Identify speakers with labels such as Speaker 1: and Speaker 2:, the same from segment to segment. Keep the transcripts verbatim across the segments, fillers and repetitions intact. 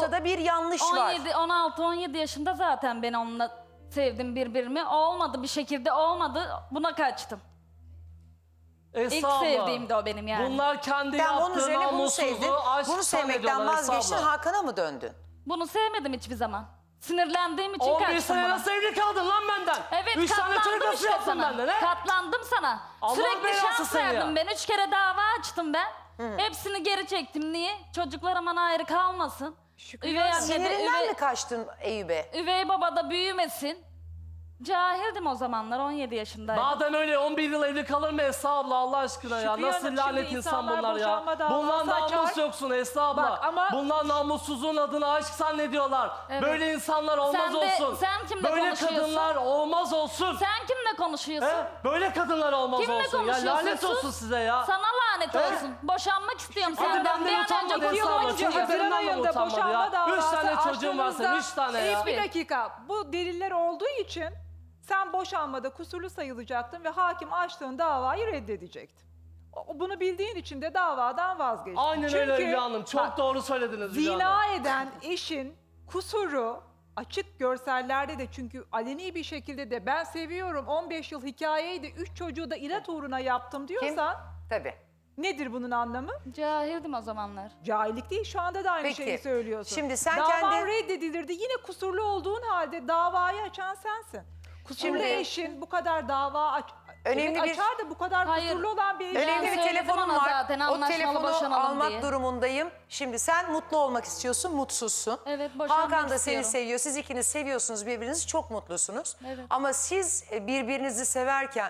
Speaker 1: ortada bir yanlış var.
Speaker 2: on yedi, on altı on yedi yaşında zaten ben onunla sevdim birbirimi. Olmadı, bir şekilde olmadı. Buna kaçtım.
Speaker 3: Esra
Speaker 2: İlk
Speaker 3: abla,
Speaker 2: sevdiğim de o benim yani.
Speaker 3: Bunlar kendi
Speaker 1: Sen bunun
Speaker 3: yaptığı
Speaker 1: üzerine bunu sevdin.
Speaker 3: namussuzluğu aşk
Speaker 1: Bunu sevmekten
Speaker 3: zannediyorlar Esra
Speaker 1: vazgeçtin,
Speaker 3: abla.
Speaker 1: Hakan'a mı döndün?
Speaker 2: Bunu sevmedim hiçbir zaman. Sinirlendiğim için
Speaker 3: on bir
Speaker 2: kaçtım
Speaker 3: sene
Speaker 2: buna.
Speaker 3: nasıl evli kaldın lan benden?
Speaker 2: Evet,
Speaker 3: Üç tane çocuk
Speaker 2: katlandım
Speaker 3: nasıl
Speaker 2: işte
Speaker 3: yaptın
Speaker 2: sana.
Speaker 3: benden he?
Speaker 2: Katlandım sana.
Speaker 3: Allah
Speaker 2: Sürekli
Speaker 3: belası
Speaker 2: şans
Speaker 3: seni ya.
Speaker 2: verdim ben. Üç kere dava açtım ben. Hepsini geri çektim. Niye? Çocuklar aman ayrı kalmasın. Üvey annede,
Speaker 1: Sinirinden
Speaker 2: üvey,
Speaker 1: mi kaçtın Eyüp'e?
Speaker 2: üvey babada büyümesin. Cahildim o zamanlar, on yedi yaşındaydım.
Speaker 3: Madem öyle on bir yıl evli kalır mı Esra abla Allah aşkına ya?
Speaker 4: Şükriye
Speaker 3: Nasıl
Speaker 4: Hanım,
Speaker 3: lanet
Speaker 4: şimdi
Speaker 3: insan
Speaker 4: insanlar
Speaker 3: bunlar ya?
Speaker 4: boşanma davası
Speaker 3: Bunlar namus
Speaker 4: açar.
Speaker 3: yoksun Esra abla.
Speaker 4: Bak ama-
Speaker 3: Bunlar namussuzluğun adına aşk zannediyorlar.
Speaker 2: Evet.
Speaker 3: Böyle insanlar olmaz
Speaker 2: Sen de-
Speaker 3: olsun.
Speaker 2: sen kimle
Speaker 3: Böyle
Speaker 2: konuşuyorsun?
Speaker 3: kadınlar olmaz olsun.
Speaker 2: Sen kimle konuşuyorsun?
Speaker 3: He? Böyle kadınlar olmaz
Speaker 2: Kimle
Speaker 3: olsun. Ya
Speaker 2: konuşuyorsun?
Speaker 3: lanet
Speaker 2: Sus.
Speaker 3: olsun size ya.
Speaker 2: Sana lanet
Speaker 3: He?
Speaker 2: olsun. Boşanmak istiyorum
Speaker 3: Hadi
Speaker 2: senden.
Speaker 3: benden
Speaker 2: Bir an
Speaker 3: utanma
Speaker 2: önce
Speaker 3: Esra
Speaker 4: yıl
Speaker 3: abla.
Speaker 4: önce
Speaker 3: Çünkü
Speaker 4: Haziran
Speaker 3: benden de
Speaker 4: ayında
Speaker 3: utanmadı
Speaker 4: boşanma
Speaker 3: ya. Üç
Speaker 4: davası
Speaker 3: tane çocuğum var senin. Üç
Speaker 4: açtığınızda-
Speaker 3: tane ya.
Speaker 4: Bir dakika. Bu deliller olduğu için sen boşanmada kusurlu sayılacaktın ve hakim açtığın davayı reddedecekti. O- Bunu bildiğin için de davadan vazgeçtin.
Speaker 3: Aynen
Speaker 4: Çünkü,
Speaker 3: öyle Hülya Hanım. Çok
Speaker 4: bak,
Speaker 3: doğru söylediniz Hülya Hanım.
Speaker 4: Zina eden eşin kusuru açık görsellerde de, çünkü aleni bir şekilde de ben seviyorum on beş yıl hikayeydi, üç çocuğu da inat uğruna yaptım
Speaker 1: Kim?
Speaker 4: diyorsan
Speaker 1: Tabii.
Speaker 4: nedir bunun anlamı?
Speaker 2: Cahildim o zamanlar.
Speaker 4: Cahillik değil, şu anda da aynı
Speaker 1: Peki,
Speaker 4: şeyi söylüyorsun.
Speaker 1: şimdi sen
Speaker 4: Davan
Speaker 1: kendi-
Speaker 4: reddedilirdi, yine kusurlu olduğun halde davayı açan sensin. Kusurlu
Speaker 1: Şimdi-
Speaker 4: eşin bu kadar dava aç,
Speaker 1: Önemli
Speaker 4: evet,
Speaker 1: bir-
Speaker 4: açar da bu kadar
Speaker 2: Hayır.
Speaker 4: kusurlu olan bir eşin.
Speaker 1: Önemli bir
Speaker 2: söyledim
Speaker 1: telefonum
Speaker 2: ona
Speaker 1: var.
Speaker 2: zaten,
Speaker 1: O
Speaker 2: anlaşmalı
Speaker 1: telefonu
Speaker 2: boşanalım
Speaker 1: almak
Speaker 2: diye.
Speaker 1: durumundayım. Şimdi sen mutlu olmak istiyorsun, mutsuzsun.
Speaker 2: Evet, boşanmak
Speaker 1: Hakan da seni
Speaker 2: istiyorum.
Speaker 1: seviyor. Siz ikiniz seviyorsunuz birbirinizi, çok mutlusunuz.
Speaker 2: Evet.
Speaker 1: Ama siz e, birbirinizi severken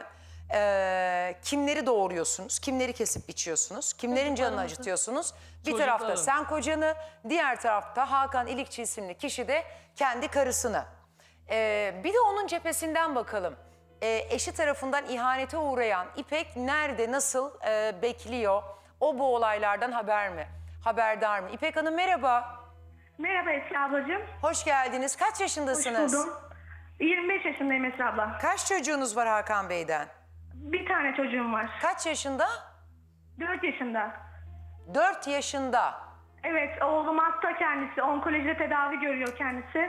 Speaker 1: e, kimleri doğuruyorsunuz, kimleri kesip biçiyorsunuz, kimlerin canını
Speaker 2: Çocuklarımızı.
Speaker 1: acıtıyorsunuz. Bir
Speaker 3: Çocuklarım.
Speaker 1: tarafta sen kocanı, diğer tarafta Hakan İlikçi isimli kişi de kendi karısını. E, bir de onun cephesinden bakalım. E, eşi tarafından ihanete uğrayan İpek nerede, nasıl e, bekliyor? O bu olaylardan haber mi? Haberdar mı? İpek Hanım merhaba.
Speaker 5: Merhaba Esra ablacığım.
Speaker 1: Hoş geldiniz. Kaç
Speaker 5: Hoş
Speaker 1: yaşındasınız?
Speaker 5: buldum. yirmi beş yaşındayım Esra abla.
Speaker 1: Kaç çocuğunuz var Hakan Bey'den?
Speaker 5: Bir tane çocuğum var.
Speaker 1: Kaç yaşında?
Speaker 5: dört yaşında.
Speaker 1: Dört yaşında.
Speaker 5: Evet, oğlum hasta kendisi. Onkolojide tedavi görüyor kendisi.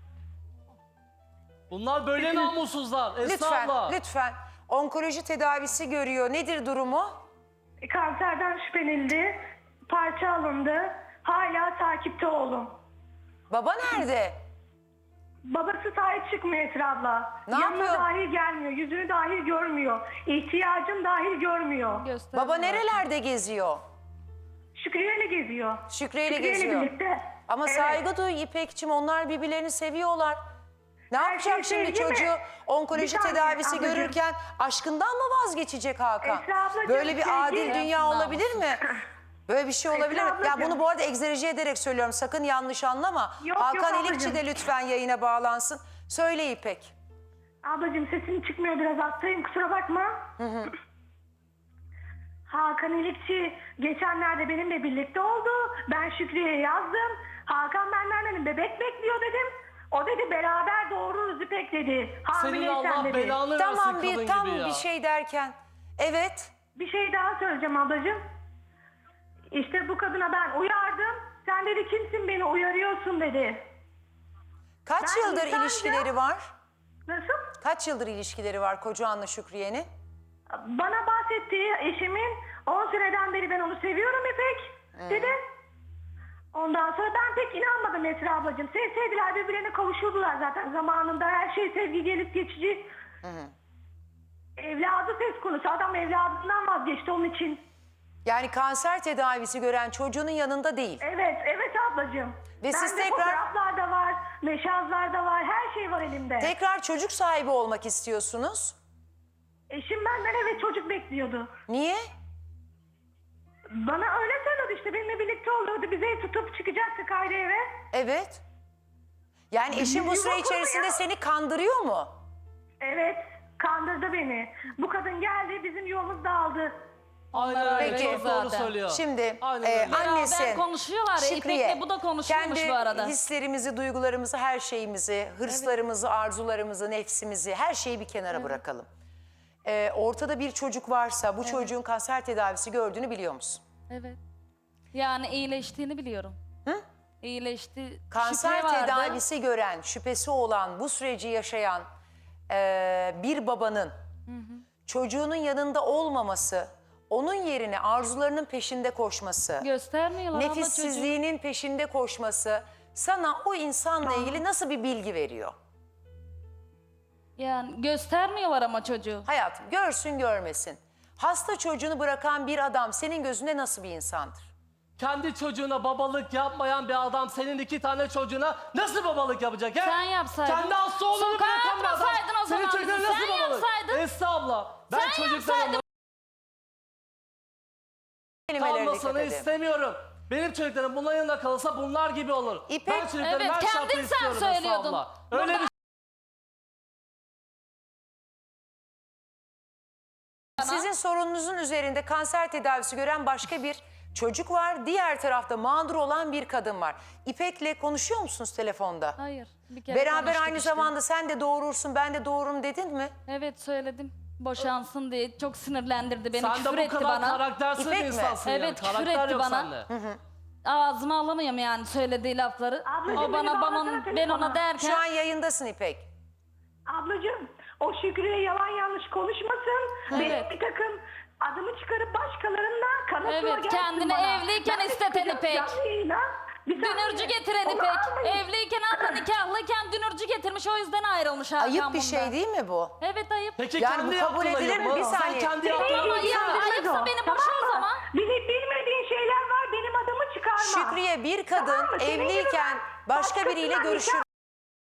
Speaker 3: Bunlar böyle namussuzlar Esra
Speaker 1: Lütfen,
Speaker 3: abla.
Speaker 1: lütfen. Onkoloji tedavisi görüyor. Nedir durumu?
Speaker 5: E, Kanserden şüphelenildi. Parça alındı. Hala takipte oğlum.
Speaker 1: Baba nerede?
Speaker 5: Babası sahip çıkmıyor Esra abla.
Speaker 1: Ne
Speaker 5: Yanına
Speaker 1: yapıyor?
Speaker 5: dahi gelmiyor. Yüzünü dahi görmüyor. İhtiyacın dahi görmüyor.
Speaker 2: Göster
Speaker 1: Baba
Speaker 2: bana.
Speaker 1: nerelerde geziyor?
Speaker 5: Şükriye'yle geziyor.
Speaker 1: Şükriye'yle
Speaker 5: Şükriye'yle
Speaker 1: geziyor.
Speaker 5: birlikte.
Speaker 1: Ama
Speaker 5: Evet.
Speaker 1: saygı duy İpek'cim, onlar birbirlerini seviyorlar. Ne
Speaker 5: Her
Speaker 1: yapacak
Speaker 5: şey
Speaker 1: şimdi
Speaker 5: sevgi mi?
Speaker 1: çocuğu onkoloji
Speaker 5: Bir saniye
Speaker 1: tedavisi
Speaker 5: ablacığım.
Speaker 1: görürken aşkından mı vazgeçecek Hakan?
Speaker 5: Esra ablacığım,
Speaker 1: Böyle bir
Speaker 5: sevgi-
Speaker 1: adil dünya
Speaker 2: Hayatında
Speaker 1: olabilir mi? Böyle bir şey olabilir mi? Ya
Speaker 5: ablacığım.
Speaker 1: bunu bu arada egzerici ederek söylüyorum, sakın yanlış anlama.
Speaker 5: Yok,
Speaker 1: Hakan
Speaker 5: yok
Speaker 1: İlikçi de
Speaker 5: ablacığım.
Speaker 1: lütfen yayına bağlansın. Söyle İpek.
Speaker 5: Ablacığım sesin çıkmıyor, biraz hastayım, kusura bakma. Hakan İlikçi geçenlerde benimle birlikte oldu. Ben Şükriye'ye yazdım. Hakan benden dedim bebek bekliyor dedim. O dedi beraber doğururuz İpek dedi.
Speaker 3: Senin
Speaker 5: Hamileysen
Speaker 3: Allah
Speaker 5: dedi.
Speaker 3: belanı versin
Speaker 1: Tamam,
Speaker 3: kadın
Speaker 1: bir tam
Speaker 3: gibi ya.
Speaker 1: bir şey derken. Evet.
Speaker 5: Bir şey daha söyleyeceğim ablacığım. İşte bu kadına ben uyardım. Sen dedi kimsin beni uyarıyorsun dedi.
Speaker 1: Kaç
Speaker 5: Ben
Speaker 1: yıldır
Speaker 5: insanca-
Speaker 1: ilişkileri var?
Speaker 5: Nasıl?
Speaker 1: Kaç yıldır ilişkileri var kocanla Şükriye'nin?
Speaker 5: Bana bahsettiği eşimin on seneden beri ben onu seviyorum İpek dedi. Ondan sonra ben pek inanmadım Esra ablacığım. Sevseydiler birbirlerine kavuşurdular zaten zamanında. Her şey sevgi gelip geçici. Evladı söz konusu. Adam evladından vazgeçti onun için.
Speaker 1: Yani kanser tedavisi gören çocuğunun yanında değil.
Speaker 5: Evet, evet ablacığım.
Speaker 1: Ve siz
Speaker 5: Bende
Speaker 1: tekrar-
Speaker 5: fotoğraflar da var, meşazlar da var, her şey var elimde.
Speaker 1: Tekrar çocuk sahibi olmak istiyorsunuz.
Speaker 5: Eşim benden evet çocuk bekliyordu.
Speaker 1: Niye?
Speaker 5: Bana öyle söyledi işte, benimle birlikte oluyordu. Bize tutup çıkacaktık ayrı eve.
Speaker 1: Evet. Yani eşin bu
Speaker 5: Yuva
Speaker 1: süre
Speaker 5: kurdu
Speaker 1: içerisinde
Speaker 5: ya.
Speaker 1: seni kandırıyor mu?
Speaker 5: Evet, kandırdı beni. Bu kadın geldi, bizim yolumuz dağıldı.
Speaker 3: Aynen öyle.
Speaker 1: Peki.
Speaker 3: Çok doğru
Speaker 2: Zaten.
Speaker 3: söylüyor.
Speaker 1: Şimdi
Speaker 3: Aynen
Speaker 1: e,
Speaker 3: öyle.
Speaker 1: annesi
Speaker 2: Beraber konuşuyorlar ya,
Speaker 1: Şükriye,
Speaker 2: İpek'le bu da konuşuyormuş
Speaker 1: kendi
Speaker 2: bu arada.
Speaker 1: hislerimizi, duygularımızı, her şeyimizi, hırslarımızı, arzularımızı, nefsimizi, her şeyi bir kenara bırakalım. E, ortada bir çocuk varsa bu çocuğun kanser tedavisi gördüğünü biliyor musun?
Speaker 2: Evet. Yani iyileştiğini biliyorum. İyileşti.
Speaker 1: Kanser
Speaker 2: Şüphe vardı.
Speaker 1: tedavisi gören, şüphesi olan, bu süreci yaşayan eee, bir babanın çocuğunun yanında olmaması, onun yerine arzularının peşinde koşması,
Speaker 2: Göstermiyorlar abla çocuğu.
Speaker 1: nefissizliğinin peşinde koşması sana o insanla ilgili nasıl bir bilgi veriyor?
Speaker 2: Yani göstermiyorlar ama çocuğu.
Speaker 1: Hayatım görsün görmesin. Hasta çocuğunu bırakan bir adam senin gözünde nasıl bir insandır?
Speaker 3: Kendi çocuğuna babalık yapmayan bir adam senin iki tane çocuğuna nasıl babalık yapacak? He?
Speaker 2: Sen yapsaydın.
Speaker 3: Kendi hasta oğlunu
Speaker 2: Sokağa
Speaker 3: bırakan bir adam
Speaker 2: atmasaydın o
Speaker 3: senin
Speaker 2: zaman
Speaker 3: çocuğuna
Speaker 2: bizi.
Speaker 3: nasıl
Speaker 2: Sen
Speaker 3: babalık?
Speaker 2: yapsaydın.
Speaker 3: Estağfurullah. Ben
Speaker 2: Sen
Speaker 3: çocuklarımı
Speaker 2: yapsaydın.
Speaker 1: Kelimelerine dikkat
Speaker 3: kalmasını
Speaker 1: edin.
Speaker 3: istemiyorum. Benim çocuklarım bunların yanında kalırsa bunlar gibi olur.
Speaker 1: İpek-
Speaker 3: Ben çocuklarım
Speaker 2: Evet,
Speaker 3: her şartla
Speaker 2: kendin sen
Speaker 3: istiyorum
Speaker 2: söylüyordun.
Speaker 3: estağfurullah. Öyle
Speaker 2: Burada-
Speaker 3: bir
Speaker 1: Sizin sorununuzun üzerinde kanser tedavisi gören başka bir çocuk var. Diğer tarafta mağdur olan bir kadın var. İpek'le konuşuyor musunuz telefonda?
Speaker 2: Hayır. Bir kere
Speaker 1: Beraber
Speaker 2: konuştuk
Speaker 1: aynı
Speaker 2: işte.
Speaker 1: zamanda sen de doğurursun ben de doğururum dedin mi?
Speaker 2: Evet söyledim. Boşansın diye. Çok sinirlendirdi beni.
Speaker 3: sen
Speaker 2: Küfür
Speaker 3: de bu
Speaker 2: etti
Speaker 3: kadar
Speaker 2: bana.
Speaker 3: karaktersiz
Speaker 1: İpek
Speaker 3: bir
Speaker 1: mi?
Speaker 3: insansın yani.
Speaker 2: Evet, küfür
Speaker 3: Karakter
Speaker 2: etti
Speaker 3: yok
Speaker 2: bana.
Speaker 3: sende.
Speaker 2: Ağzıma alamıyorum yani söylediği lafları.
Speaker 5: Ablacığım,
Speaker 2: o
Speaker 5: beni
Speaker 2: bana
Speaker 5: bağlasana
Speaker 2: bana ben
Speaker 5: telefona.
Speaker 2: ona derken
Speaker 1: Şu an yayındasın İpek.
Speaker 5: Ablacığım o Şükrü'ye yalan yanlış konuşmasın. Benim
Speaker 2: Evet.
Speaker 5: bir takım adımı çıkarıp başkalarından kanıtla
Speaker 2: Evet,
Speaker 5: gelsin
Speaker 2: kendini
Speaker 5: bana.
Speaker 2: evliyken
Speaker 5: Ben de
Speaker 2: isteten
Speaker 5: çıkacağım
Speaker 2: İpek.
Speaker 5: canlı yayına. Bir saniye.
Speaker 2: dünürcü getiren
Speaker 5: Onu
Speaker 2: İpek.
Speaker 5: almayın.
Speaker 2: Evliyken abla nikahlıyken dünürcü getirmiş o yüzden ayrılmış Hakan
Speaker 1: Ayıp bir
Speaker 2: bundan.
Speaker 1: şey değil mi bu?
Speaker 2: Evet ayıp.
Speaker 3: Peki
Speaker 1: Yani
Speaker 3: kendi
Speaker 1: bu kabul
Speaker 3: yaptığına
Speaker 1: edilir mi?
Speaker 3: yapma.
Speaker 1: Bir
Speaker 3: Sen
Speaker 1: saniye.
Speaker 3: kendi
Speaker 5: Benim
Speaker 3: yaptığına
Speaker 2: Ama
Speaker 5: bildiğim
Speaker 2: ya,
Speaker 5: bilmez
Speaker 2: ayıpsa
Speaker 5: o,
Speaker 2: beni
Speaker 5: tamam
Speaker 2: boşa o
Speaker 5: mı?
Speaker 2: zaman.
Speaker 5: Bilip bilmediğin şeyler var benim adımı çıkarma.
Speaker 1: Şükriye bir kadın
Speaker 5: Tamam mı? Senin gibi
Speaker 1: evliyken
Speaker 5: ben
Speaker 1: başka biriyle
Speaker 5: başkasına
Speaker 1: görüşür.
Speaker 5: nikah-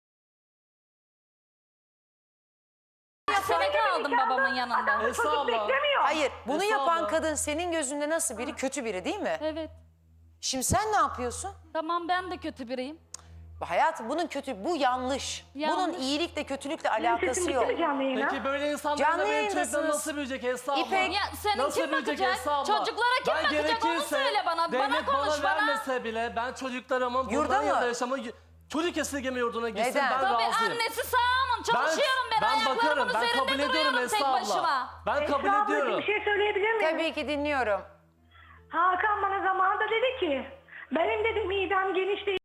Speaker 2: Sene kaldım babamın yanında.
Speaker 5: Adam çocuk
Speaker 3: Estağfurullah.
Speaker 5: beklemiyor.
Speaker 1: Hayır bunu
Speaker 3: Estağfurullah.
Speaker 1: yapan kadın senin gözünde nasıl biri? Kötü biri değil mi?
Speaker 2: Evet.
Speaker 1: Şimdi sen ne yapıyorsun?
Speaker 2: Tamam ben de kötü biriyim.
Speaker 1: Hayatım bunun kötü, bu yanlış.
Speaker 2: Yanlış.
Speaker 1: Bunun iyilikle kötülükle
Speaker 5: Benim
Speaker 1: alakası
Speaker 5: sesim
Speaker 1: yok.
Speaker 5: gitti mi canlı yayına?
Speaker 3: Peki böyle insanlar
Speaker 1: Canlı
Speaker 3: da benim
Speaker 1: yayındasınız.
Speaker 3: çocuklarım nasıl büyüyecek estağfurullah?
Speaker 1: İpek-
Speaker 2: Ya senin
Speaker 3: Nasıl
Speaker 2: kim
Speaker 3: büyüyecek
Speaker 2: bakacak?
Speaker 3: estağfurullah?
Speaker 2: Çocuklara kim
Speaker 3: Ben
Speaker 2: bakacak onu
Speaker 3: gerekirse
Speaker 2: söyle bana. Bana
Speaker 3: devlet
Speaker 2: konuş
Speaker 3: bana
Speaker 2: bana.
Speaker 3: vermese bile ben çocuklarımın
Speaker 1: Yurda
Speaker 3: bunların
Speaker 1: mı?
Speaker 3: yanında yaşamı çocuk esirgeme yurduna gitsin
Speaker 1: Neden?
Speaker 3: ben
Speaker 2: Tabii
Speaker 3: razıyım.
Speaker 2: annesi sağımın çalışıyorum ben,
Speaker 3: ben
Speaker 2: ayaklarımın
Speaker 3: bakarım, ben
Speaker 2: üzerinde
Speaker 3: kabul ediyorum
Speaker 2: duruyorum tek
Speaker 3: estağfurullah.
Speaker 2: başıma.
Speaker 3: Ben kabul
Speaker 5: Esra ablacığım,
Speaker 3: ediyorum.
Speaker 5: bir şey söyleyebilir miyim?
Speaker 1: Tabii ki dinliyorum.
Speaker 5: Hakan bana zamanında dedi ki benim dedi midem geniş değil.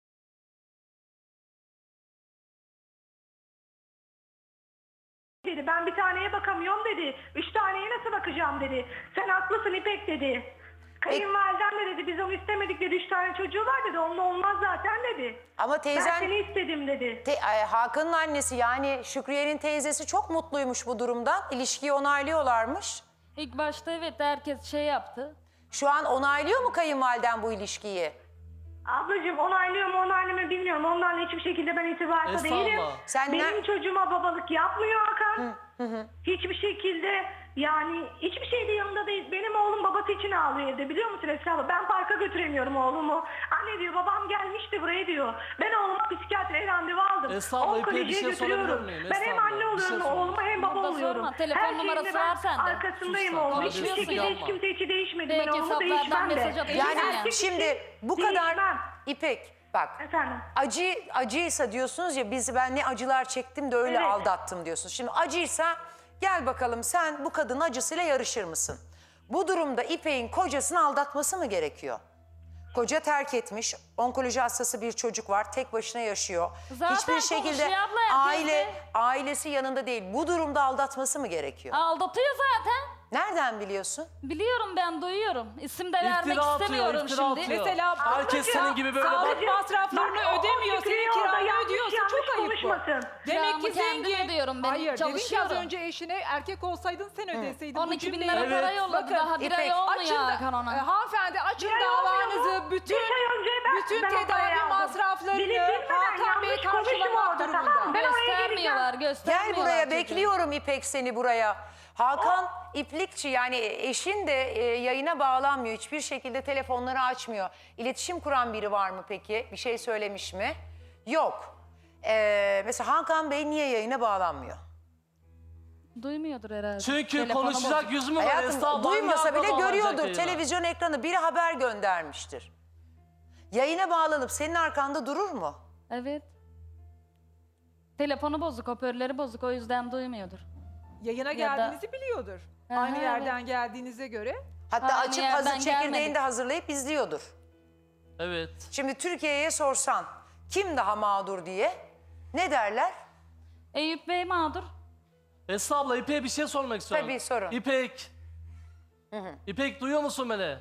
Speaker 5: dedi. Ben bir taneye bakamıyorum dedi. Üç taneye nasıl bakacağım dedi. Sen haklısın İpek dedi. Kayınvaliden de dedi biz onu istemedik dedi. Üç tane çocuğu var dedi. Onunla olmaz zaten dedi.
Speaker 1: Ama
Speaker 5: Ben
Speaker 1: teyzen
Speaker 5: seni istedim dedi.
Speaker 1: te- ay, Hakan'ın annesi yani Şükriye'nin teyzesi çok mutluymuş bu durumdan. İlişkiyi onaylıyorlarmış.
Speaker 2: İlk başta evet herkes şey yaptı.
Speaker 1: Şu an onaylıyor mu kayınvaliden bu ilişkiyi?
Speaker 5: Ablacığım onaylıyor mu onaylamıyor bilmiyorum. Onlarla hiçbir şekilde ben irtibatta
Speaker 3: Estağfurullah.
Speaker 5: değilim.
Speaker 1: Sen
Speaker 5: Benim
Speaker 1: ne-
Speaker 5: çocuğuma babalık yapmıyor Hakan. Hiçbir şekilde yani hiçbir şeyde yanında değil. Benim oğlum babası için ağlıyor evde biliyor musun Esra abla? Ben parka götüremiyorum oğlumu. Anne diyor babam gelmişti buraya diyor. Ben oğluma psikiyatriye randevu aldım.
Speaker 3: Estağfurullah, İpek'e bir
Speaker 5: Onkolojiye
Speaker 3: şey sorabilir
Speaker 5: götürüyorum.
Speaker 3: miyim?
Speaker 5: Ben hem
Speaker 3: Estağfurullah,
Speaker 5: anne
Speaker 3: bir şey
Speaker 5: oluyorum
Speaker 3: sorayım.
Speaker 5: oğluma hem baba
Speaker 2: Burada
Speaker 5: oluyorum.
Speaker 2: sorma, telefon
Speaker 5: Her
Speaker 2: numarası
Speaker 5: şeyinde ben
Speaker 2: var sende.
Speaker 5: arkasındayım
Speaker 3: Sus sen,
Speaker 5: oğlum. Hiçbir
Speaker 3: konuşuyorsun,
Speaker 5: şekilde hiç
Speaker 3: yapma.
Speaker 5: kimse içi değişmedi. Ben
Speaker 2: Belki
Speaker 5: oğlumu
Speaker 2: hesaplardan
Speaker 5: değişmem de.
Speaker 2: mesaj atıyorsun
Speaker 1: Yani
Speaker 2: ya.
Speaker 1: şimdi bu kadar
Speaker 5: Değişmem.
Speaker 1: İpek bak
Speaker 5: Efendim.
Speaker 1: acı acıysa diyorsunuz ya biz ben ne acılar çektim de öyle
Speaker 5: Evet.
Speaker 1: aldattım diyorsunuz. Şimdi acıysa gel bakalım sen bu kadının acısıyla yarışır mısın? Bu durumda İpek'in kocasını aldatması mı gerekiyor? Koca terk etmiş, onkoloji hastası bir çocuk var, tek başına yaşıyor.
Speaker 2: Zaten
Speaker 1: Hiçbir şekilde
Speaker 2: konuşuyor abla
Speaker 1: aile
Speaker 2: herkesle.
Speaker 1: ailesi yanında değil. Bu durumda aldatması mı gerekiyor?
Speaker 2: Aldatıyor zaten.
Speaker 1: Nereden biliyorsun?
Speaker 2: Biliyorum ben duyuyorum. İsim de vermek
Speaker 3: İftira atıyor,
Speaker 2: istemiyorum
Speaker 3: iftira
Speaker 2: şimdi.
Speaker 3: atıyor.
Speaker 4: Mesela
Speaker 3: Herkes
Speaker 5: Ablacığım,
Speaker 3: senin gibi böyle
Speaker 4: sağlık
Speaker 3: bak.
Speaker 4: masraflarını
Speaker 5: Bak, o- o
Speaker 4: ödemiyor,
Speaker 5: Şükrü'ye
Speaker 4: senin
Speaker 5: orada
Speaker 4: kiranı
Speaker 5: yanlış
Speaker 4: ödüyorsa
Speaker 5: yanlış
Speaker 4: çok ayıp bu.
Speaker 5: konuşmasın.
Speaker 4: Demek
Speaker 2: Kiramı
Speaker 4: ki
Speaker 2: kendim
Speaker 4: zengin.
Speaker 2: ödüyorum, ben
Speaker 4: Hayır, dedin ki az
Speaker 2: çalışıyorum.
Speaker 4: önce eşine erkek olsaydın sen ödeseydin.
Speaker 2: on
Speaker 4: Bu
Speaker 2: iki bin
Speaker 4: cümleyi-
Speaker 2: lira
Speaker 3: Evet.
Speaker 2: para yolladı
Speaker 4: Bakın,
Speaker 2: daha bir
Speaker 1: İpek,
Speaker 2: ay olmuyor
Speaker 4: Açın da,
Speaker 2: Hakan ona.
Speaker 4: e, hanımefendi açın
Speaker 5: Bir ay olmuyor
Speaker 4: davanızı.
Speaker 5: mu?
Speaker 4: Bütün
Speaker 5: Bir ay önce ben-
Speaker 4: bütün
Speaker 5: ben o parayı
Speaker 4: tedavi
Speaker 5: aldım.
Speaker 4: masraflarını
Speaker 5: Bilip bilmeden
Speaker 4: Hakan Bey
Speaker 5: yanlış konuştum
Speaker 4: karşılamak
Speaker 5: orada, tamam mı?
Speaker 4: durumunda.
Speaker 5: Ben oraya
Speaker 2: Göstermiyorlar,
Speaker 5: geleceğim.
Speaker 2: göstermiyorlar.
Speaker 1: Gel buraya
Speaker 2: çocuğu.
Speaker 1: bekliyorum İpek seni buraya. Hakan İplikçi yani eşin de e, yayına bağlanmıyor. Hiçbir şekilde telefonları açmıyor. İletişim kuran biri var mı peki? Bir şey söylemiş mi? Yok. Ee, mesela Hakan Bey niye yayına bağlanmıyor?
Speaker 2: Duymuyordur herhalde.
Speaker 3: Çünkü
Speaker 2: Telefonu
Speaker 3: konuşacak
Speaker 2: bozuk.
Speaker 3: yüzü mü var
Speaker 1: Hayatım
Speaker 3: estağfurullah?
Speaker 1: duymasa
Speaker 3: Hangi
Speaker 1: bile
Speaker 3: akla bağlanacak
Speaker 1: görüyordur.
Speaker 3: yayına?
Speaker 1: Televizyon ekranı biri haber göndermiştir. Yayına bağlanıp senin arkanda durur mu?
Speaker 2: Evet. Telefonu bozuk, hoparlörleri bozuk o yüzden duymuyordur.
Speaker 4: Yayına
Speaker 2: Ya da-
Speaker 4: geldiğinizi biliyordur.
Speaker 2: Aha,
Speaker 4: Aynı
Speaker 2: evet.
Speaker 4: yerden geldiğinize göre.
Speaker 1: Hatta
Speaker 2: Aynı
Speaker 1: açıp
Speaker 2: yerden
Speaker 1: hazır çekirdeğini
Speaker 2: gelmedik.
Speaker 1: de hazırlayıp izliyordur.
Speaker 3: Evet.
Speaker 1: Şimdi Türkiye'ye sorsan kim daha mağdur diye ne derler?
Speaker 2: Eyüp Bey mağdur.
Speaker 3: Esra abla İpek'e bir şey sormak istiyorum.
Speaker 1: Tabii, sorun.
Speaker 3: İpek. İpek duyuyor musun beni?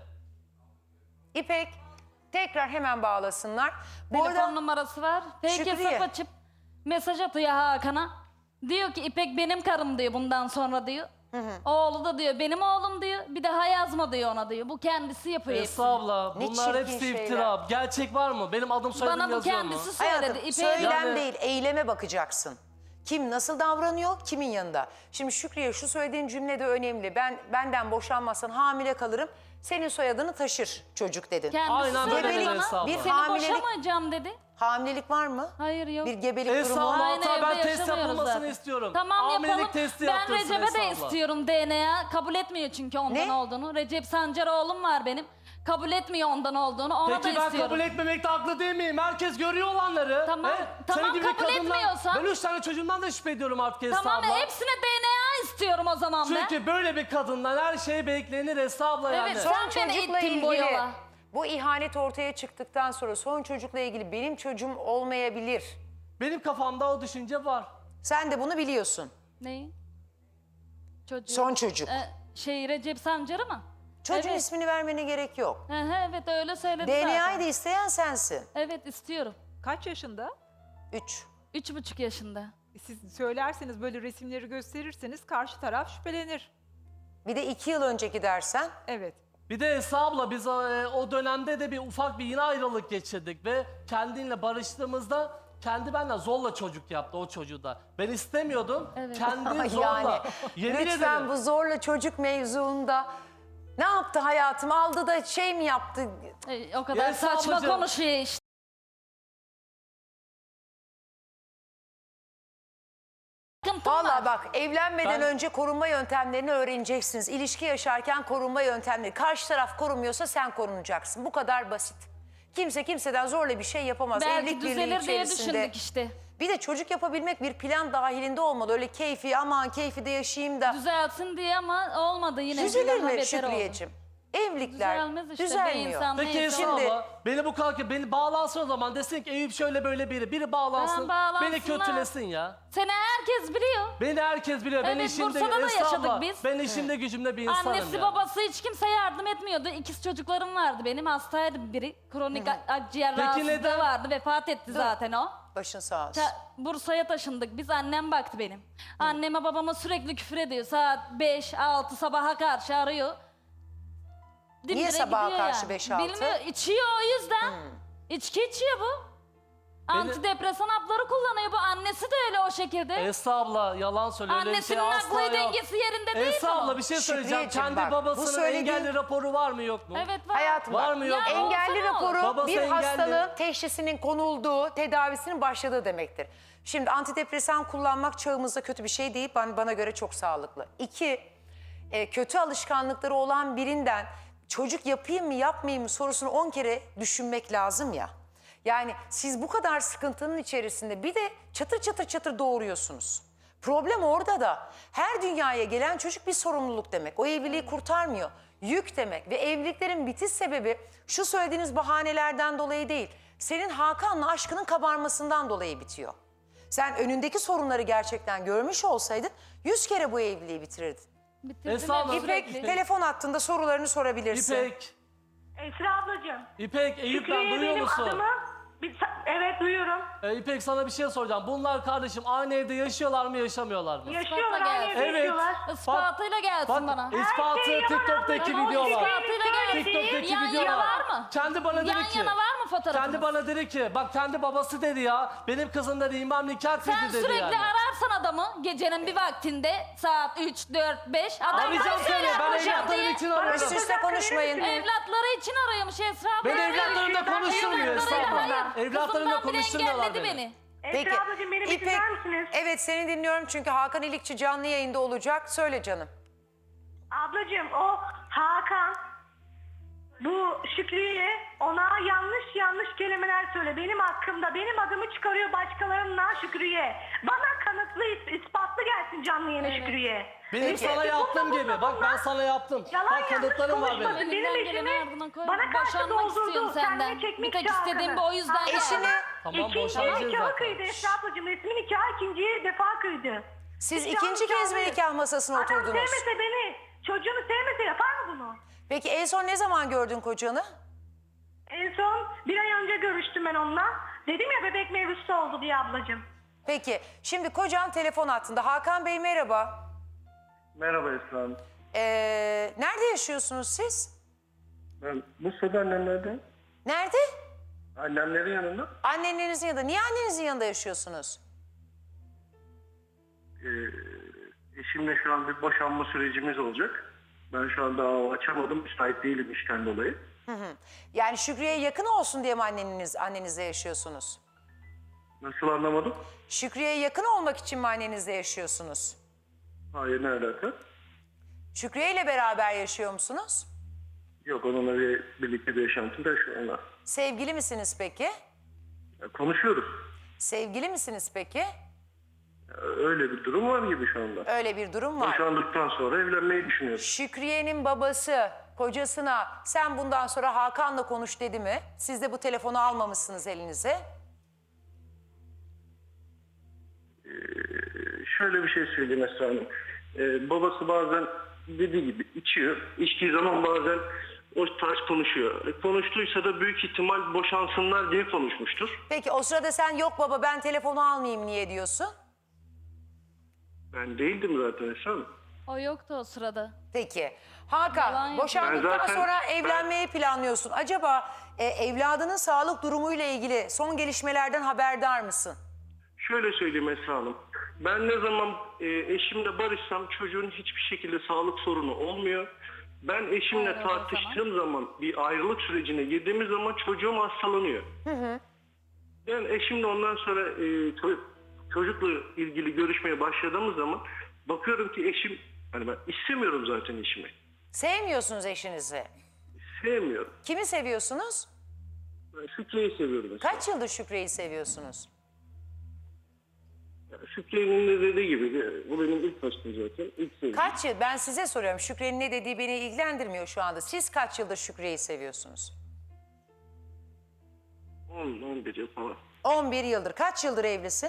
Speaker 1: İpek tekrar hemen bağlasınlar. Bu
Speaker 2: Telefon
Speaker 1: arada
Speaker 2: numarası var. Peki
Speaker 1: Şükriye.
Speaker 2: hesap açıp mesaj atıyor Hakan'a. Diyor ki İpek benim karım diyor bundan sonra diyor. Oğlu da diyor benim oğlum diyor. Bir daha yazma diyor ona diyor. Bu kendisi yapıyor
Speaker 3: Esra
Speaker 2: hepsini.
Speaker 3: abla
Speaker 1: Ne
Speaker 3: bunlar
Speaker 1: çirkin
Speaker 3: hepsi
Speaker 1: şeyler.
Speaker 3: iftira. Gerçek var mı? Benim adım soyadım
Speaker 2: Bana bu
Speaker 3: yazıyor mu?
Speaker 2: kendisi söyledi.
Speaker 1: hayatım
Speaker 2: İpek'e
Speaker 1: söylem
Speaker 3: Yani-
Speaker 1: değil eyleme bakacaksın. Kim nasıl davranıyor, kimin yanında? Şimdi Şükriye şu söylediğin cümle de önemli. Ben benden boşanmazsan hamile kalırım. Senin soyadını taşır çocuk dedin.
Speaker 2: Kendisi
Speaker 3: Aynen böyle
Speaker 2: söyledi
Speaker 1: dedi
Speaker 2: bana.
Speaker 3: Esra abla.
Speaker 1: Bir
Speaker 2: Seni
Speaker 1: hamilelik-
Speaker 2: boşamayacağım dedi.
Speaker 1: Hamilelik var mı?
Speaker 2: Hayır yok.
Speaker 1: Bir gebelik
Speaker 3: Esra
Speaker 1: durumu.
Speaker 3: abla
Speaker 2: Aynı
Speaker 3: hatta
Speaker 2: evde
Speaker 3: ben test
Speaker 2: yaşamıyoruz
Speaker 3: yapılmasını
Speaker 2: zaten.
Speaker 3: istiyorum.
Speaker 2: Tamam
Speaker 3: Hamilelik
Speaker 2: yapalım.
Speaker 3: testi
Speaker 2: Ben
Speaker 3: yaptırsın
Speaker 2: Recep'e
Speaker 3: Esra
Speaker 2: de
Speaker 3: abla.
Speaker 2: istiyorum D N A. Kabul etmiyor çünkü ondan
Speaker 1: Ne?
Speaker 2: olduğunu. Recep Sancar oğlum var benim. Kabul etmiyor ondan olduğunu. Ona
Speaker 3: Peki
Speaker 2: da
Speaker 3: ben
Speaker 2: istiyorum.
Speaker 3: kabul etmemekte haklı değil miyim? Herkes görüyor olanları.
Speaker 2: Tamam, tamam,
Speaker 3: Senin gibi
Speaker 2: kabul
Speaker 3: kadınlar-
Speaker 2: etmiyorsan-
Speaker 3: Ben üç tane çocuğumdan da şüphe ediyorum artık Esra
Speaker 2: Tamam
Speaker 3: abla.
Speaker 2: hepsine D N A istiyorum o zaman ben.
Speaker 3: Çünkü böyle bir kadından her şey beklenir Esra abla yani.
Speaker 2: Evet,
Speaker 1: Son
Speaker 2: Sen beni
Speaker 1: çocukla
Speaker 2: ittin
Speaker 1: ilgili
Speaker 2: bu yola.
Speaker 1: bu ihanet ortaya çıktıktan sonra son çocukla ilgili benim çocuğum olmayabilir.
Speaker 3: Benim kafamda o düşünce var.
Speaker 1: Sen de bunu biliyorsun.
Speaker 2: Neyi? Çocuğu.
Speaker 1: Son çocuk.
Speaker 2: Ee, şey Recep Sancar'ı mı?
Speaker 1: Çocuğun
Speaker 2: evet.
Speaker 1: ismini vermene gerek yok.
Speaker 2: Hı hı, evet öyle söyledi
Speaker 1: D N A'yı
Speaker 2: zaten.
Speaker 1: da isteyen sensin.
Speaker 2: Evet istiyorum.
Speaker 4: Kaç yaşında?
Speaker 1: Üç.
Speaker 2: Üç buçuk yaşında.
Speaker 4: Siz söylerseniz böyle resimleri gösterirseniz karşı taraf şüphelenir.
Speaker 1: Bir de iki yıl önceki dersen
Speaker 4: Evet.
Speaker 3: Bir de Esra abla biz e, o dönemde de bir ufak bir yine ayrılık geçirdik ve kendinle barıştığımızda kendi benden zorla çocuk yaptı o çocuğu da. Ben istemiyordum.
Speaker 2: Evet.
Speaker 3: Kendi zorla.
Speaker 1: yani
Speaker 3: Yemin
Speaker 1: lütfen
Speaker 3: ederim.
Speaker 1: bu zorla çocuk mevzuunda ne yaptı hayatım? Aldı da şey mi yaptı?
Speaker 2: Ee, o kadar
Speaker 3: Ya
Speaker 2: saçma
Speaker 3: ablacığım.
Speaker 2: konuşuyor işte. Sıkıntım
Speaker 1: Vallahi
Speaker 2: var.
Speaker 1: bak evlenmeden
Speaker 3: Ben-
Speaker 1: önce korunma yöntemlerini öğreneceksiniz. İlişki yaşarken korunma yöntemleri. Karşı taraf korunmuyorsa sen korunacaksın. Bu kadar basit. Kimse kimseden zorla bir şey yapamaz.
Speaker 2: Belki
Speaker 1: Evlilik birliği
Speaker 2: düzelir diye
Speaker 1: içerisinde.
Speaker 2: düşündük işte.
Speaker 1: Bir de çocuk yapabilmek bir plan dahilinde olmalı. Öyle keyfi aman keyfi de yaşayayım da.
Speaker 2: Düzelsin diye ama olmadı yine.
Speaker 1: Düzelir
Speaker 2: Daha
Speaker 1: mi
Speaker 2: beter oldu.
Speaker 1: Şükriyeciğim? Evlilikler
Speaker 2: Düzelmez işte. Bir
Speaker 1: düzelmiyor.
Speaker 2: insan
Speaker 3: Peki
Speaker 2: neyse
Speaker 3: Esra
Speaker 2: o.
Speaker 3: abla beni bu kalkıp beni bağlansın o zaman desin ki Eyüp şöyle böyle biri. Biri bağlansın.
Speaker 2: Ha,
Speaker 3: Beni
Speaker 2: bağlansınlar.
Speaker 3: kötülesin ya.
Speaker 2: Seni herkes biliyor.
Speaker 3: Beni herkes biliyor. ben
Speaker 2: Evet,
Speaker 3: işimde,
Speaker 2: Bursa'da da
Speaker 3: Esra
Speaker 2: yaşadık
Speaker 3: abla,
Speaker 2: biz.
Speaker 3: Ben işimde gücümde bir insanım
Speaker 2: Annesi
Speaker 3: ya.
Speaker 2: babası hiç kimse yardım etmiyordu. İkiz çocuklarım vardı benim. Hastaydı biri. Kronik akciğer
Speaker 3: Peki
Speaker 2: rahatsızlığı
Speaker 3: neden?
Speaker 2: vardı. Vefat etti zaten o.
Speaker 1: Başın sağ olsun.
Speaker 2: Ta- Bursa'ya taşındık. Biz annem baktı benim. Anneme babama sürekli küfür ediyor. Saat beş altı sabaha karşı arıyor. Dimdire
Speaker 1: sabaha
Speaker 2: gidiyor
Speaker 1: karşı
Speaker 2: yani.
Speaker 1: beş altı?
Speaker 2: Bilmiyor. İçiyor o yüzden. İçki içiyor bu. Antidepresan hapları kullanıyor bu. Annesi de öyle o şekilde.
Speaker 3: Esra abla yalan söylüyor. Öyle bir
Speaker 2: Annesinin
Speaker 3: şey asla
Speaker 2: aklı
Speaker 3: yok.
Speaker 2: dengesi yerinde değil mi
Speaker 3: Esra
Speaker 2: o?
Speaker 3: abla bir şey söyleyeceğim.
Speaker 1: Şükriyeciğim
Speaker 3: Kendi
Speaker 1: bak, bu
Speaker 3: babasının
Speaker 1: söylediğin-
Speaker 3: engelli raporu var mı yok mu?
Speaker 2: Evet var.
Speaker 1: Hayatım
Speaker 3: Var
Speaker 1: bak,
Speaker 3: mı yok mu?
Speaker 2: Ya,
Speaker 1: engelli
Speaker 2: olsa ne olur?
Speaker 1: raporu
Speaker 3: Babası
Speaker 1: bir
Speaker 3: engelli.
Speaker 1: hastalığın teşhisinin konulduğu, tedavisinin başladığı demektir. Şimdi antidepresan kullanmak çağımızda kötü bir şey değil. Bana, bana göre çok sağlıklı. İki, e, kötü alışkanlıkları olan birinden çocuk yapayım mı yapmayayım mı sorusunu on kere düşünmek lazım ya. Yani siz bu kadar sıkıntının içerisinde bir de çatır çatır çatır doğuruyorsunuz. Problem orada da her dünyaya gelen çocuk bir sorumluluk demek. O evliliği kurtarmıyor. Yük demek ve evliliklerin bitiş sebebi şu söylediğiniz bahanelerden dolayı değil. Senin Hakan'la aşkının kabarmasından dolayı bitiyor. Sen önündeki sorunları gerçekten görmüş olsaydın yüz kere bu evliliği bitirirdin.
Speaker 2: Bitirdim
Speaker 3: Esra
Speaker 2: hep
Speaker 3: abla,
Speaker 1: İpek
Speaker 2: sürekli.
Speaker 1: telefon hattında sorularını sorabilirsin.
Speaker 3: İpek,
Speaker 5: Esra ablacığım.
Speaker 3: İpek, Eyüp ben
Speaker 5: Şükriye
Speaker 3: duyuyor
Speaker 5: benim
Speaker 3: musun?
Speaker 5: adımı. Bir, evet duyuyorum.
Speaker 3: Ee, İpek sana bir şey soracağım. Bunlar kardeşim aynı evde yaşıyorlar mı yaşamıyorlar mı?
Speaker 5: Yaşıyorlar,
Speaker 2: gelsin.
Speaker 5: aynı evde
Speaker 3: Evet.
Speaker 5: yaşıyorlar.
Speaker 2: Ispatıyla gelsin
Speaker 3: Bak
Speaker 2: bana.
Speaker 3: ispatı
Speaker 5: Her şey yalan
Speaker 3: TikTok'taki
Speaker 5: abla.
Speaker 3: videolar.
Speaker 2: İspatıyla gelsin.
Speaker 3: TikTok'taki
Speaker 2: Yan
Speaker 3: videolar.
Speaker 2: yana var mı?
Speaker 3: Kendi bana dedi
Speaker 2: Yan
Speaker 3: ki.
Speaker 2: yana var mı fotoğrafınız?
Speaker 3: Kendi bana dedi ki bak kendi babası dedi ya. Benim kızım dedi imam nikah kıydı
Speaker 2: Sen
Speaker 3: dedi
Speaker 2: sürekli
Speaker 3: yani.
Speaker 2: ararsan adamı gecenin bir vaktinde saat üç, dört, beş adam
Speaker 3: Arayacağım
Speaker 2: bana
Speaker 3: seni.
Speaker 2: söyler
Speaker 3: Ben
Speaker 2: boşan
Speaker 3: evlatlarım
Speaker 2: diye.
Speaker 3: için
Speaker 1: Üst
Speaker 3: arıyorum.
Speaker 1: üste konuşmayın.
Speaker 2: Evlatları için arıyormuş Esra abla.
Speaker 3: Ben evlatlarımla konuşturmuyor Esra
Speaker 2: Evlatlarıyla
Speaker 3: abla.
Speaker 2: hayır.
Speaker 3: Evlatlarımla
Speaker 2: Kızımdan bile
Speaker 3: konuşturmuyorlar
Speaker 2: engelledi
Speaker 3: beni.
Speaker 2: beni.
Speaker 5: Esra ablacığım beni bir
Speaker 1: İpek,
Speaker 5: dinler misiniz?
Speaker 1: evet seni dinliyorum çünkü Hakan İlikçi canlı yayında olacak. Söyle canım.
Speaker 5: Ablacığım o Hakan bu Şükrü'ye ona yanlış yanlış kelimeler söyle. Benim hakkımda benim adımı çıkarıyor başkalarından Şükrü'ye. Bana kanıtlı, is- ispatlı gelsin canlı yayına
Speaker 2: Evet.
Speaker 5: Şükrü'ye.
Speaker 3: Benim
Speaker 1: Peki.
Speaker 3: sana yaptığım
Speaker 5: Bununla,
Speaker 3: gibi.
Speaker 5: bununla,
Speaker 3: Bak ben
Speaker 5: bununla.
Speaker 3: sana yaptım.
Speaker 5: Yalan
Speaker 3: Bak kanıtlarım var
Speaker 5: yanlış
Speaker 3: benim.
Speaker 5: konuşmasın. Benim
Speaker 2: Elinden geleni
Speaker 5: eşimi
Speaker 2: ardına koy.
Speaker 5: bana karşı
Speaker 2: Boşanmak
Speaker 5: doldurdu.
Speaker 2: istiyorum senden.
Speaker 5: Kendine çekmek
Speaker 2: Bir tek
Speaker 5: çağırdı.
Speaker 2: istediğim bu, o yüzden
Speaker 5: Aa,
Speaker 1: Eşini
Speaker 3: Tamam,
Speaker 5: İkinci
Speaker 3: boşanacağız
Speaker 5: nikahı
Speaker 3: zaten.
Speaker 5: kıydı Esra ablacığım. Resmi nikahı ikinci defa kıydı.
Speaker 1: siz
Speaker 5: Hiç
Speaker 1: ikinci
Speaker 5: yanlış
Speaker 1: kez mi
Speaker 5: anlıyor.
Speaker 1: nikah masasına
Speaker 5: Adam
Speaker 1: oturdunuz?
Speaker 5: sevmese beni, çocuğunu sevmese yapar mı bunu?
Speaker 1: Peki en son ne zaman gördün kocanı?
Speaker 5: En son bir ay önce görüştüm ben onunla. Dedim ya bebek mevzusu oldu diye ablacığım.
Speaker 1: Peki şimdi kocan telefon hattında. Hakan Bey merhaba.
Speaker 6: Merhaba Esra Hanım.
Speaker 1: Ee, nerede yaşıyorsunuz siz?
Speaker 6: Ben Bursa'da annemlerden.
Speaker 1: Nerede?
Speaker 6: Annemlerin yanında.
Speaker 1: Annenizin yanında. Niye annenizin yanında yaşıyorsunuz?
Speaker 6: Ee, eşimle şu an bir boşanma sürecimiz olacak. Ben şu anda dava açamadım. Müsait değilim işten dolayı.
Speaker 1: Yani Şükrü'ye yakın olsun diye mi anneniz, annenizle yaşıyorsunuz?
Speaker 6: Nasıl anlamadım?
Speaker 1: Şükrü'ye yakın olmak için mi annenizle yaşıyorsunuz?
Speaker 6: Hayır, ne alaka?
Speaker 1: Şükrü'ye ile beraber yaşıyor musunuz?
Speaker 6: Yok, onunla bir, birlikte bir yaşantım da şu anda.
Speaker 1: Sevgili misiniz peki?
Speaker 6: Ya, konuşuyoruz.
Speaker 1: Sevgili misiniz peki?
Speaker 6: Ya, öyle bir durum var gibi şu anda.
Speaker 1: Öyle bir durum var.
Speaker 6: Boşandıktan sonra evlenmeyi düşünüyoruz.
Speaker 1: Şükriye'nin babası kocasına sen bundan sonra Hakan'la konuş dedi mi? Siz de bu telefonu almamışsınız elinize.
Speaker 6: Şöyle bir şey söyleyeyim Esra Hanım. Ee, babası bazen dediği gibi içiyor. İçtiği zaman bazen o tarz konuşuyor. E, konuştuysa da büyük ihtimal boşansınlar diye konuşmuştur.
Speaker 1: Peki o sırada sen yok baba ben telefonu almayayım niye diyorsun?
Speaker 6: Ben değildim zaten Esra Hanım.
Speaker 2: O yoktu o sırada.
Speaker 1: Peki.
Speaker 2: Yalan
Speaker 1: Hakan
Speaker 2: yapıyor.
Speaker 1: boşandıktan
Speaker 6: Ben zaten-
Speaker 1: sonra evlenmeyi planlıyorsun. Acaba e, evladının sağlık durumuyla ilgili son gelişmelerden haberdar mısın?
Speaker 6: Şöyle söyleyeyim Esra Hanım. Ben ne zaman e, eşimle barışsam çocuğun hiçbir şekilde sağlık sorunu olmuyor. Ben eşimle
Speaker 2: Evet, o
Speaker 6: tartıştığım zaman bir ayrılık sürecine girdiğimiz zaman çocuğum hastalanıyor. Ben eşimle ondan sonra e, ço- çocukla ilgili görüşmeye başladığımız zaman bakıyorum ki eşim, hani ben istemiyorum zaten eşimi.
Speaker 1: Sevmiyorsunuz eşinizi.
Speaker 6: Sevmiyorum.
Speaker 1: Kimi seviyorsunuz?
Speaker 6: Ben Şükriye'yi seviyorum mesela.
Speaker 1: Kaç yıldır Şükrü'yü seviyorsunuz?
Speaker 6: Yani Şükriye'nin de dediği gibi bu benim ilk aşkım zaten. İlk sevdiğim.
Speaker 1: Kaç yıl? Ben size soruyorum. Şükrü'nün ne dediği beni ilgilendirmiyor şu anda. Siz kaç yıldır Şükrü'yü seviyorsunuz?
Speaker 6: on on bir yıl falan.
Speaker 1: on bir yıldır. Kaç yıldır evlisin?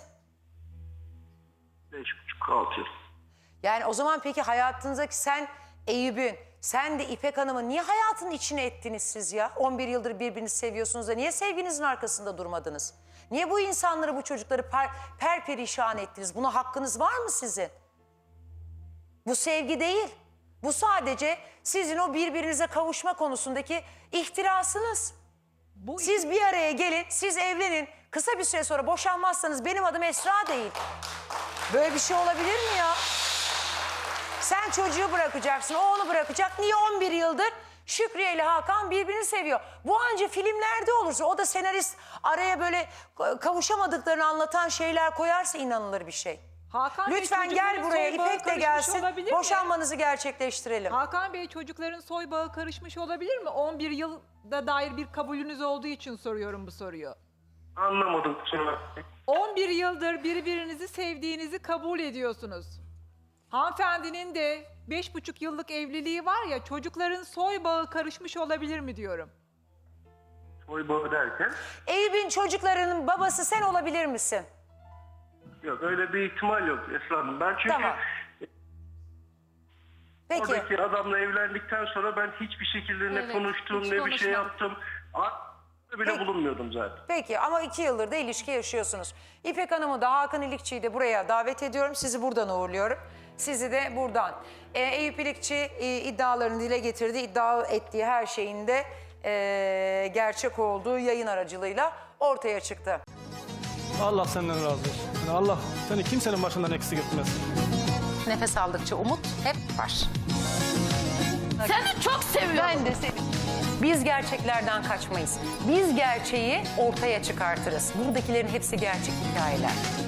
Speaker 6: beş buçuk altı yıl.
Speaker 1: Yani o zaman peki hayatınızdaki sen Eyüp'ün, sen de İpek Hanım'ın niye hayatının içine ettiniz siz ya? on bir yıldır birbirinizi seviyorsunuz da niye sevginizin arkasında durmadınız? Niye bu insanları, bu çocukları per, perperişan ettiniz? Buna hakkınız var mı sizin? Bu sevgi değil. Bu sadece sizin o birbirinize kavuşma konusundaki ihtirasınız.
Speaker 4: Bu
Speaker 1: Siz bir araya gelin, siz evlenin. Kısa bir süre sonra boşanmazsanız benim adım Esra değil. Böyle bir şey olabilir mi ya? Sen çocuğu bırakacaksın, o onu bırakacak. Niye on bir yıldır Şükriye ile Hakan birbirini seviyor? Bu anca filmlerde olursa, o da senarist araya böyle kavuşamadıklarını anlatan şeyler koyarsa inanılır bir şey.
Speaker 4: Hakan Bey,
Speaker 1: Lütfen gel
Speaker 4: çocukların
Speaker 1: buraya,
Speaker 4: soy bağı
Speaker 1: İpek de
Speaker 4: karışmış
Speaker 1: gelsin.
Speaker 4: olabilir mi?
Speaker 1: Boşanmanızı gerçekleştirelim.
Speaker 4: Hakan Bey, çocukların soy bağı karışmış olabilir mi? on bir yılda dair bir kabulünüz olduğu için soruyorum bu soruyu.
Speaker 6: Anlamadım kusura bakmayın.
Speaker 4: on bir yıldır birbirinizi sevdiğinizi kabul ediyorsunuz. Hanımefendinin de beş buçuk yıllık evliliği var ya, çocukların soy bağı karışmış olabilir mi diyorum.
Speaker 6: Soy bağı derken
Speaker 1: Eyüp'ün çocuklarının babası sen olabilir misin?
Speaker 6: yok, öyle bir ihtimal yok Esra Hanım. Ben çünkü
Speaker 1: Tamam. Peki.
Speaker 6: oradaki adamla evlendikten sonra ben hiçbir şekilde ne
Speaker 2: Evet,
Speaker 6: konuştum
Speaker 2: hiç
Speaker 6: ne bir şey
Speaker 2: konuşmadım.
Speaker 6: yaptım. A- bile
Speaker 1: Peki.
Speaker 6: bulunmuyordum zaten.
Speaker 1: Peki ama iki yıldır da ilişki yaşıyorsunuz. İpek Hanım'ı da Hakan İlikçi'yi de buraya davet ediyorum. Sizi buradan uğurluyorum. Sizi de buradan. Ee, Eyüp İlikçi e, iddialarını dile getirdi. İddia ettiği her şeyin de e, gerçek olduğu yayın aracılığıyla ortaya çıktı.
Speaker 7: Allah senden razı olsun. Yani Allah seni kimsenin başından eksik etmez.
Speaker 1: Nefes aldıkça umut hep var.
Speaker 2: Seni çok seviyorum.
Speaker 1: Ben de seni. Biz gerçeklerden kaçmayız. Biz gerçeği ortaya çıkartırız. Buradakilerin hepsi gerçek hikayeler.